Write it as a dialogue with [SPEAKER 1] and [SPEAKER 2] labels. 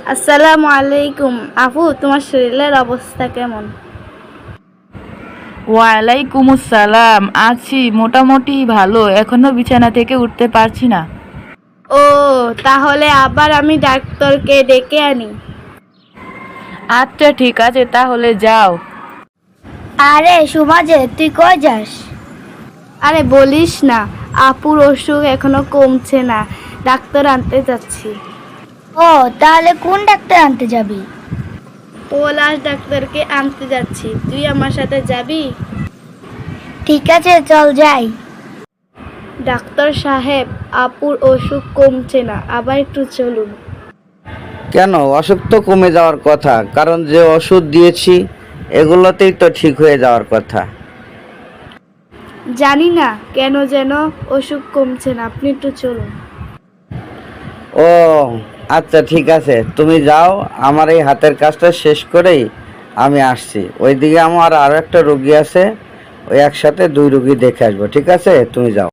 [SPEAKER 1] আসসালামু আলাইকুম আপু, তোমার শরীরের অবস্থা কেমন?
[SPEAKER 2] ওয়ালাইকুম আসসালাম। আছি মোটামুটি ভালো, এখনো বিছানা থেকে উঠতে পারছি না।
[SPEAKER 1] ও, তাহলে আবার আমি ডাক্তারকে ডেকে আনি।
[SPEAKER 2] আচ্ছা ঠিক আছে, তাহলে যাও।
[SPEAKER 3] আরে সুমাজে, তুই কই যাস?
[SPEAKER 1] আরে বলিস না, আপুর অসুখ এখনো কমছে না, ডাক্তার আনতে যাচ্ছি।
[SPEAKER 3] ও, তাহলে কোন ডাক্তার আনতে যাবি?
[SPEAKER 1] পলাশ ডাক্তারকে আনতে যাচ্ছি, তুই আমার সাথে যাবি?
[SPEAKER 3] ঠিক আছে, চল যাই।
[SPEAKER 1] ডাক্তার সাহেব, আপুর অসুখ কমছে না, আবার একটু চলুন।
[SPEAKER 4] কেন, অসুখ তো কমে যাওয়ার কথা, কারণ যে ওষুধ দিয়েছি এগুলোতেই তো ঠিক হয়ে যাওয়ার কথা।
[SPEAKER 1] জানি না কেন যেন অসুখ কমছে না, আপনি একটু চলুন।
[SPEAKER 4] ও আচ্ছা ঠিক আছে, তুমি যাও, আমার এই হাতের কাজটা শেষ করেই আমি আসছি। ওইদিকে আমার আরও একটা রোগী আছে, ওই একসাথে দুই রোগী দেখে আসবো। ঠিক আছে, তুমি যাও।